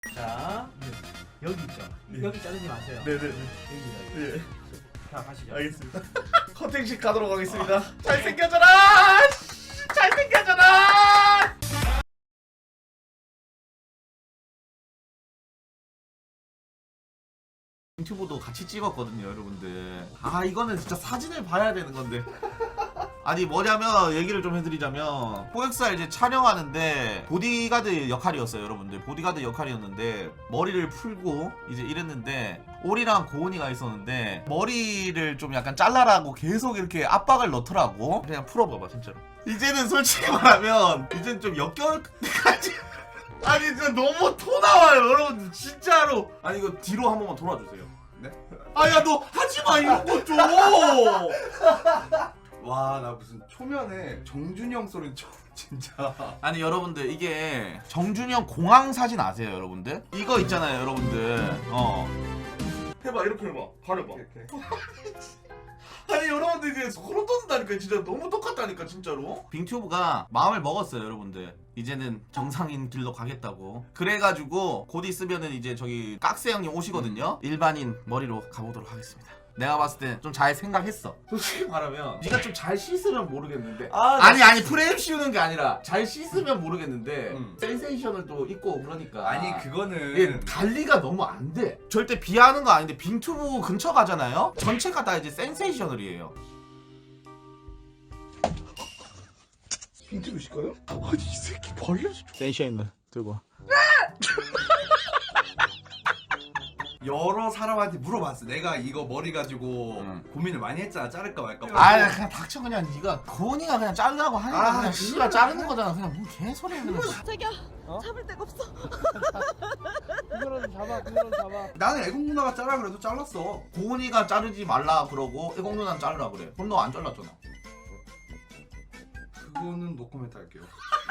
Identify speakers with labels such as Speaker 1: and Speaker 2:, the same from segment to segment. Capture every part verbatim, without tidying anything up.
Speaker 1: 자,
Speaker 2: 네.
Speaker 1: 여기 있죠.
Speaker 2: 네.
Speaker 1: 여기 자르지 마세요.
Speaker 2: 네네네.
Speaker 1: 여기다. 여기.
Speaker 2: 네.
Speaker 1: 자, 가시죠.
Speaker 2: 알겠습니다. 커팅식 가도록 하겠습니다. 잘생겨져라! 씨, 잘생겨져라! 유튜브도 같이 찍었거든요, 여러분들. 아, 이거는 진짜 사진을 봐야 되는 건데. 아니, 뭐냐면 얘기를 좀 해드리자면 포엑스알 이제 촬영하는데 보디가드 역할이었어요, 여러분들. 보디가드 역할이었는데 머리를 풀고 이제 이랬는데 오리랑 고은이가 있었는데 머리를 좀 약간 잘라라고 계속 이렇게 압박을 넣더라고. 그냥 풀어봐봐, 진짜로. 이제는 솔직히 말하면 이제는 좀 역겨울 때까지. 아니, 진짜 너무 토 나와요, 여러분들. 진짜로. 아니, 이거 뒤로 한 번만 돌아주세요. 네? 아, 야, 너 하지마, 이런 거 좀.
Speaker 3: 와, 나 무슨 초면에 정준영 소리 처음 진짜.
Speaker 2: 아니, 여러분들, 이게 정준영 공항 사진 아세요, 여러분들? 이거 있잖아요, 여러분들. 어. 해봐, 이렇게 해봐. 가려봐.
Speaker 3: 이렇게.
Speaker 2: 아니, 여러분들, 이게 소름 돋는다니까. 진짜 너무 똑같다니까, 진짜로. 빙튜브가 마음을 먹었어요, 여러분들. 이제는 정상인 길로 가겠다고. 그래가지고 곧 있으면은 이제 저기 깍세 형님 오시거든요. 일반인 머리로 가보도록 하겠습니다. 내가 봤을 때 좀 잘 생각했어. 솔직히 말하면 네가 좀 잘 씻으면 모르겠는데.
Speaker 1: 아,
Speaker 2: 아니 아니 프레임 씌우는 게 아니라 잘 씻으면 모르겠는데
Speaker 3: 음.
Speaker 2: 센세이션을 또 입고 그러니까.
Speaker 3: 아니, 그거는
Speaker 2: 이게 관리가 너무 안 돼. 절대 비하하는 거 아닌데 빙튜브 근처 가잖아요. 전체가 다 이제 센세이셔널이에요.
Speaker 3: 빈틈이실까요? 아니, 이 새끼 벌레.
Speaker 2: 센세이셔널 들고 와.
Speaker 3: 여러 사람한테 물어봤어. 내가 이거 머리 가지고
Speaker 2: 음.
Speaker 3: 고민을 많이 했잖아. 자를까 말까.
Speaker 2: 아, 그냥 닥쳐. 그냥 네가 고은이가 그냥 자르라고 하니까
Speaker 3: 아,
Speaker 2: 그냥 씨가 자르는 거잖아. 그냥 뭔 개소리야 그냥.
Speaker 4: 자기야
Speaker 2: 어?
Speaker 4: 잡을 데가 없어.
Speaker 1: 그거라도 잡아, 그거라도 잡아.
Speaker 3: 나는 애국 누나가 자라 그래도 잘랐어.
Speaker 2: 고은이가 자르지 말라 그러고 애공 누나는 자르라 그래. 그럼 너 안 잘랐잖아.
Speaker 3: 그거는 노코멘트 할게요.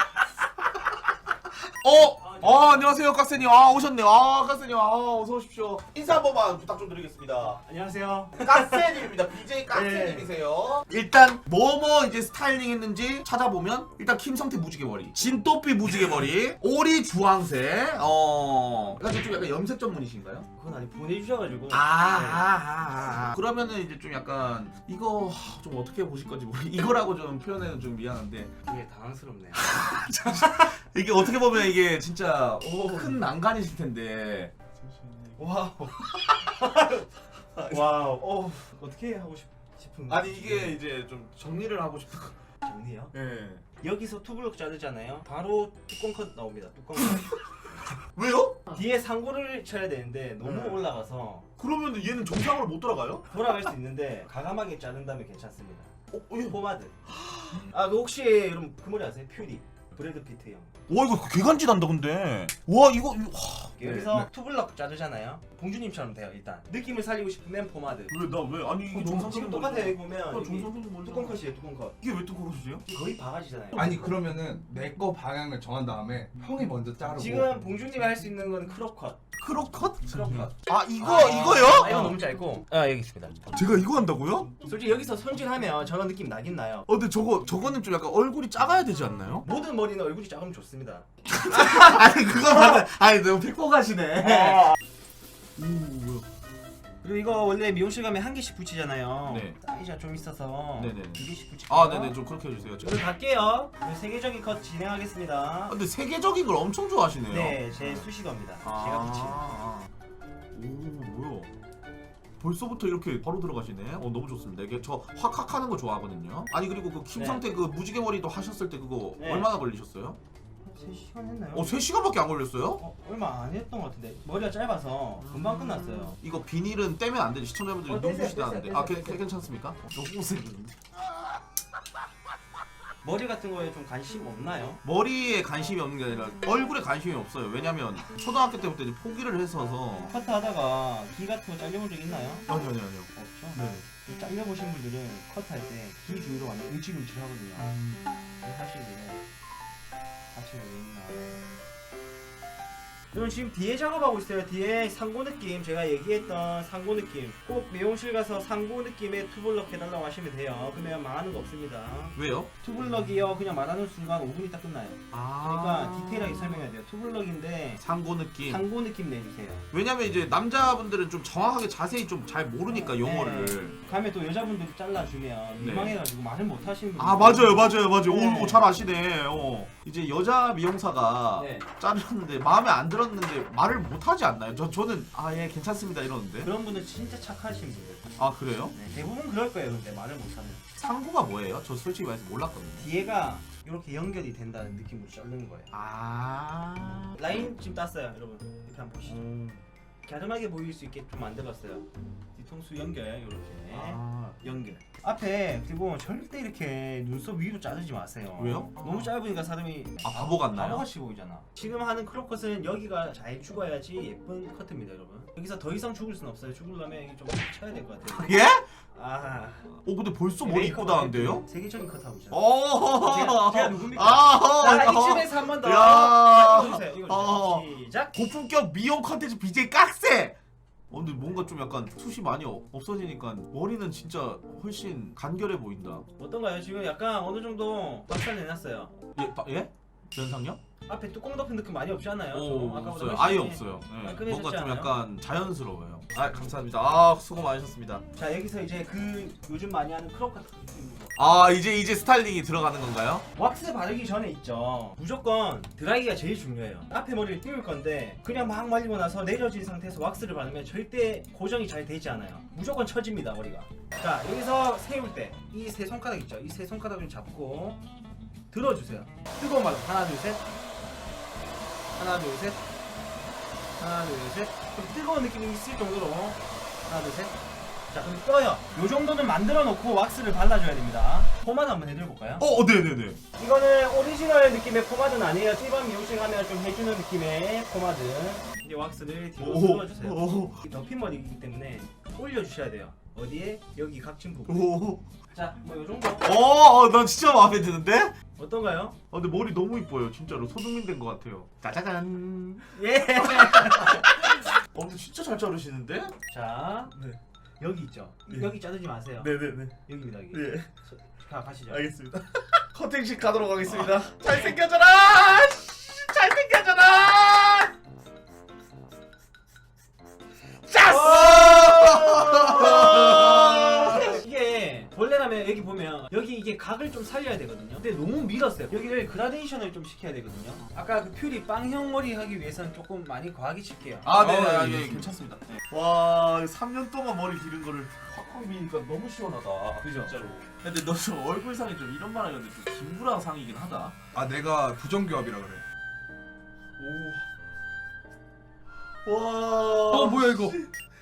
Speaker 2: 어! 아, 안녕하세요, 깍세님. 아, 오셨네요. 아, 깍세님. 아, 어서 오십시오. 인사 한 번만 부탁 좀 드리겠습니다.
Speaker 1: 안녕하세요.
Speaker 2: 깍세님입니다. 비제이 깍세님이세요. 일단 뭐뭐 이제 스타일링 했는지 찾아보면 일단 김성태 무지개 머리, 진또삐 무지개 머리, 오리 주황색. 어, 약간 좀 약간 염색 전문이신가요?
Speaker 1: 그건 아니 보내주셔가지고.
Speaker 2: 아, 아, 아, 아. 그러면은 이제 좀 약간 이거 좀 어떻게 보실 건지 모르. 이거라고 좀 표현해는 좀 미안한데
Speaker 1: 되게 당황스럽네요.
Speaker 2: 이게 어떻게 보면 이게 진짜 큰 난관이실 텐데.
Speaker 1: 와우. 와우. 어, 어떻게 하고 싶, 싶은
Speaker 2: 아니 이게 이제 좀 정리를 하고 싶은 거.
Speaker 1: 정리요?
Speaker 2: 예.
Speaker 1: 여기서 투블럭 자르잖아요. 바로 뚜껑 컷 나옵니다. 뚜껑 컷.
Speaker 2: 왜요?
Speaker 1: 뒤에 상고를 쳐야 되는데 너무
Speaker 2: 네.
Speaker 1: 올라가서
Speaker 2: 그러면 얘는 정상으로 못 돌아가요?
Speaker 1: 돌아갈 수 있는데 과감하게 자른다면 괜찮습니다.
Speaker 2: 어, 어, 이거
Speaker 1: 포마드. 아, 그 혹시 여러분 그 머리 아세요? 퓨리. 브래드 피트 형.
Speaker 2: 와 이거 개간지난다 근데. 와 이거 이거 와.
Speaker 1: 여기서
Speaker 3: 네.
Speaker 1: 투블럭 자르잖아요. 봉주님처럼 돼요. 일단 느낌을 살리고 싶으면 포마드.
Speaker 2: 왜 나 왜? 아니 이게 정상
Speaker 1: 지금 똑같아요. 여기 보면
Speaker 2: 아,
Speaker 1: 여기
Speaker 2: 정상적인 머리.
Speaker 1: 뚜껑 컷이에요. 뚜껑 컷.
Speaker 2: 이게 왜 뚜껑 컷이세요?
Speaker 1: 거의 바가지잖아요.
Speaker 3: 아니, 그러면은 내 거 방향을 정한 다음에 형이 먼저 자르고.
Speaker 1: 지금 봉주님이 할 수 있는 건 크롭 컷.
Speaker 2: 크롭 컷?
Speaker 1: 크롭 컷.
Speaker 2: 아 이거
Speaker 1: 아,
Speaker 2: 이거요?
Speaker 1: 아, 이거 너무 짧고. 아, 여기 있습니다.
Speaker 2: 제가 이거 한다고요?
Speaker 1: 솔직히 여기서 손질하면 저런 느낌 나긴 나요.
Speaker 2: 어 근데 저거 저거는 좀 약간 얼굴이 작아야 되지 않나요?
Speaker 1: 모든 머리는 얼굴이 작으면 좋습니다.
Speaker 2: 아니 그거 맞아. 아니 너무 픽보가시네. 오 뭐야?
Speaker 1: 그리고 이거 원래 미용실 가면 한 개씩 붙이잖아요.
Speaker 2: 네.
Speaker 1: 사이즈가 좀 있어서
Speaker 2: 네네.
Speaker 1: 두 개씩 붙이고.
Speaker 2: 아 네네 좀 그렇게 해주세요.
Speaker 1: 오늘 갈게요. 오늘 세계적인 컷 진행하겠습니다.
Speaker 2: 아, 근데 세계적인 걸 엄청 좋아하시네요.
Speaker 1: 네, 제 수식어입니다. 제가 붙인.
Speaker 2: 오 뭐야? 벌써부터 이렇게 바로 들어가시네. 어 너무 좋습니다. 이게 저 확확하는 거 좋아하거든요. 아니 그리고 그 김성태 그 무지개 머리도 하셨을 때 그거
Speaker 1: 네.
Speaker 2: 얼마나 걸리셨어요?
Speaker 1: 세 시간 했나요?
Speaker 2: 어 세 시간밖에 안 걸렸어요?
Speaker 1: 어, 얼마 안 했던 것 같은데 머리가 짧아서 금방 끝났어요.
Speaker 2: 이거 비닐은 떼면 안 되지. 시청자분들이
Speaker 1: 어, 떼세요,
Speaker 2: 눈부시다는데.
Speaker 1: 떼세요,
Speaker 2: 아 괜-
Speaker 1: 떼세요.
Speaker 2: 괜찮습니까? 너무
Speaker 1: 머리 같은 거에 좀 관심 없나요?
Speaker 2: 머리에 관심이 없는 게 아니라 얼굴에 관심이 없어요. 왜냐면 초등학교 때부터 이제 포기를 했어서.
Speaker 1: 커트 하다가 기 같은 거 잘려본 적 있나요?
Speaker 2: 아니 아니 아니요.
Speaker 1: 없죠?
Speaker 2: 네.
Speaker 1: 이 잘려보신 분들은 커트할 때 기 주위로 완전 움찔움찔 하거든요.
Speaker 2: 음.
Speaker 1: 근데 사실 이게 다치는 왜 있나. 저는 지금 뒤에 작업하고 있어요. 뒤에 상고 느낌, 제가 얘기했던 상고 느낌. 꼭 미용실 가서 상고 느낌의 투블럭 해달라고 하시면 돼요. 그러면 망하는 거 없습니다.
Speaker 2: 왜요?
Speaker 1: 투블럭이요, 그냥 말하는 순간 오 분 있다 끝나요.
Speaker 2: 아
Speaker 1: 그러니까 디테일하게 설명해야 돼요. 투블럭인데
Speaker 2: 상고 느낌.
Speaker 1: 상고 느낌 내주세요.
Speaker 2: 왜냐면 이제 남자분들은 좀 정확하게 자세히 좀 잘 모르니까 용어를.
Speaker 1: 네. 다음에 또 여자분들이 잘라주면 민망해가지고 말을 못 하시는 분들.
Speaker 2: 아 맞아요 맞아요 맞아요.
Speaker 1: 네.
Speaker 2: 오 잘 아시네. 어. 이제 여자 미용사가
Speaker 1: 네.
Speaker 2: 자르는데 마음에 안 들었는데 말을 못 하지 않나요? 저 저는 아 예 괜찮습니다 이러는데.
Speaker 1: 그런 분은 진짜 착하신 분들.
Speaker 2: 아 그래요?
Speaker 1: 네, 대부분 그럴 거예요. 근데 말을 못하면.
Speaker 2: 상고가 뭐예요? 저 솔직히 말해서 몰랐거든요.
Speaker 1: 뒤에가 이렇게 연결이 된다는 느낌으로 자르는 거예요.
Speaker 2: 아
Speaker 1: 라인 지금 땄어요, 여러분. 이렇게 한번 보시죠.
Speaker 2: 음.
Speaker 1: 갸름하게 보일 수 있게 좀 만들었어요. 뒤통수 연결 이렇게
Speaker 2: 아
Speaker 1: 연결. 앞에 그리고 절대 이렇게 눈썹 위로 자르지 마세요.
Speaker 2: 왜요?
Speaker 1: 너무 짧으니까 사람이
Speaker 2: 아, 바보 같나요?
Speaker 1: 바보같이 보이잖아. 지금 하는 크롭컷은 여기가 잘 죽어야지 예쁜 커트입니다, 여러분. 여기서 더 이상 죽을 순 없어요. 죽으려면 여기 좀 쳐야 될 것 같아요.
Speaker 2: 예?
Speaker 1: 아.
Speaker 2: 어 근데 벌써 머리 이쁘다는데요?
Speaker 1: 세계적인 컷하고 있잖아.
Speaker 2: 어.
Speaker 1: 제가, 제가 누굽니까?
Speaker 2: 아.
Speaker 1: 자,
Speaker 2: 어.
Speaker 1: 이쯤에서 한 번 더.
Speaker 2: 야.
Speaker 1: 자, 이거 주세요. 이거 주세요.
Speaker 2: 어.
Speaker 1: 시작.
Speaker 2: 고품격 미용 컨텐츠 비제이 깍세! 어, 근데 뭔가 좀 약간 숱이 많이 어- 없어지니까 머리는 진짜 훨씬 간결해 보인다.
Speaker 1: 어떤가요? 지금 약간 어느 정도 박살 내놨어요.
Speaker 2: 예? 바, 예? 연상요?
Speaker 1: 앞에 뚜껑 덮은 느낌 많이 없지 않아요?
Speaker 2: 오,
Speaker 1: 아까보다
Speaker 2: 없어요.
Speaker 1: 훨씬
Speaker 2: 아예
Speaker 1: 많이-
Speaker 2: 없어요. 예.
Speaker 1: 깔끔해졌지
Speaker 2: 뭔가 좀
Speaker 1: 않아요?
Speaker 2: 약간 자연스러워요. 아, 감사합니다. 아, 수고 많으셨습니다.
Speaker 1: 자, 여기서 이제 그 요즘 많이 하는 크롭 같은 느낌으로
Speaker 2: 아, 이제 이제 스타일링이 들어가는 건가요?
Speaker 1: 왁스 바르기 전에 있죠. 무조건 드라이기가 제일 중요해요. 앞에 머리를 띄울 건데 그냥 막 말리고 나서 내려진 상태에서 왁스를 바르면 절대 고정이 잘 되지 않아요. 무조건 처집니다, 머리가. 자, 여기서 세울 때 이 세 손가락 있죠. 이 세 손가락을 잡고 들어주세요. 뜨거운 말로 하나 둘 셋. 하나 둘 셋. 하나 둘 셋. 좀 뜨거운 느낌이 있을 정도로 하나 둘 셋. 자, 그럼 떠요. 요 정도는 만들어 놓고 왁스를 발라줘야 됩니다. 포마드 한번 해드려볼까요?
Speaker 2: 어, 네네네.
Speaker 1: 이거는 오리지널 느낌의 포마드는 아니에요. 일반 미용실 가면 좀 해주는 느낌의 포마드. 이제 왁스를 뒤로 쓸어주세요.
Speaker 2: 오,
Speaker 1: 덮인 머리이기 때문에 올려주셔야 돼요. 어디에? 여기 각진 부분.
Speaker 2: 오.
Speaker 1: 자, 뭐 요 정도.
Speaker 2: 어, 어, 난 진짜 마음에 드는데?
Speaker 1: 어떤가요?
Speaker 2: 아, 근데 머리 너무 이뻐요. 진짜로 소중민 된 것 같아요. 짜자잔.
Speaker 1: 예.
Speaker 2: 어, 근데 진짜 잘 자르시는데?
Speaker 1: 자,
Speaker 2: 네.
Speaker 1: 여기 있죠.
Speaker 2: 네.
Speaker 1: 여기 자르지 마세요.
Speaker 2: 네네네.
Speaker 1: 여기입니다. 여기.
Speaker 2: 네.
Speaker 1: 자, 가시죠.
Speaker 2: 알겠습니다. 커팅식 가도록 하겠습니다. 잘생겨져라! 씨, 잘생겨져라! 짜스!
Speaker 1: 이게 원래라면 여기 보면 여기 이게 각을 좀 살려야 되거든요. 근데 너무 밀었어요. 여기를 그라데이션을 좀 시켜야 되거든요. 아까 그 퓨리 빵형 머리 하기 위해서는 조금 많이 과하게 칠게요.
Speaker 2: 아, 네,
Speaker 1: 어,
Speaker 2: 아,
Speaker 1: 예,
Speaker 2: 예, 괜찮습니다. 네. 와, 삼 년 동안 머리 기른 거를 확확 미니까 너무 시원하다.
Speaker 1: 그죠?
Speaker 2: 진짜로. 근데 너 좀 얼굴상이 좀 이런 말 하는데 좀 김구랑 상이긴 하다.
Speaker 3: 아 내가 부정교합이라 그래.
Speaker 2: 오. 와.
Speaker 3: 어 뭐야 이거?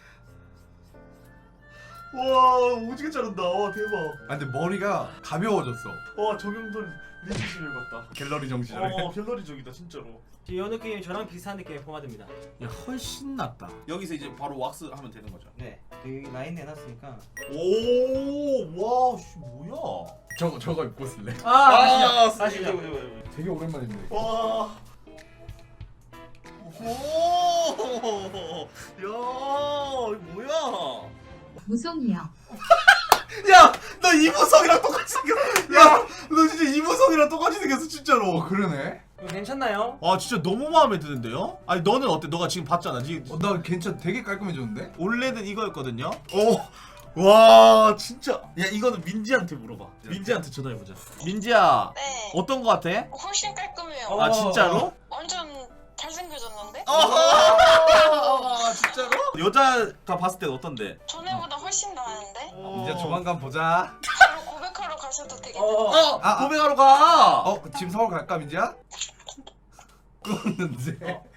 Speaker 2: 와, 오지게 자른다. 와, 대박.
Speaker 3: 아 근데 머리가 가벼워졌어.
Speaker 2: 와, 정영돈 리지신을 봤다.
Speaker 3: 갤러리 정신을.
Speaker 2: 어, 갤러리적이다, 진짜로.
Speaker 1: 이 느낌이 저랑 비슷한 느낌의 포마드입니다.
Speaker 2: 야, 훨씬 낫다. 여기서 이제 바로 왁스 하면 되는 거죠.
Speaker 1: 네, 여기 라인 내놨으니까.
Speaker 2: 오, 와, 씨, 뭐야?
Speaker 3: 저거 저거 입고 쓸래?
Speaker 1: 아,
Speaker 2: 아,
Speaker 1: 다시
Speaker 2: 이거,
Speaker 1: 다시.
Speaker 2: 이거, 이거, 이거.
Speaker 3: 되게 오랜만인데.
Speaker 2: 와. 오, 야, 이거 뭐야?
Speaker 4: 무송이요.
Speaker 2: 야, 너 이무성이랑 똑같이 생겼어. 야, 너 진짜 이무성이랑 똑같이 생겼어, 진짜로.
Speaker 3: 어 그러네.
Speaker 1: 이거 괜찮나요?
Speaker 2: 아, 진짜 너무 마음에 드는데요? 아니, 너는 어때? 너가 지금 봤잖아. 지금
Speaker 3: 어, 나 괜찮. 되게 깔끔해졌는데?
Speaker 2: 원래는 이거였거든요. 오, 와, 진짜. 야, 이거는 민지한테 물어봐. 민지한테 전화해보자. 민지야,
Speaker 5: 네.
Speaker 2: 어떤 거 같아?
Speaker 5: 훨씬 깔끔해요.
Speaker 1: 어.
Speaker 2: 아, 진짜로?
Speaker 5: 완전 잘생겨졌는데?
Speaker 2: 아, 진짜로? 여자가 봤을 땐 어떤데?
Speaker 5: 전에보다 훨씬 나았는데?
Speaker 3: 이제 조만간 보자.
Speaker 5: 바로 고백하러 가셔도 되겠는데?
Speaker 1: 어.
Speaker 2: 어, 고백하러 가.
Speaker 3: 어 지금 서울 갈까 민지야? 끊었는데.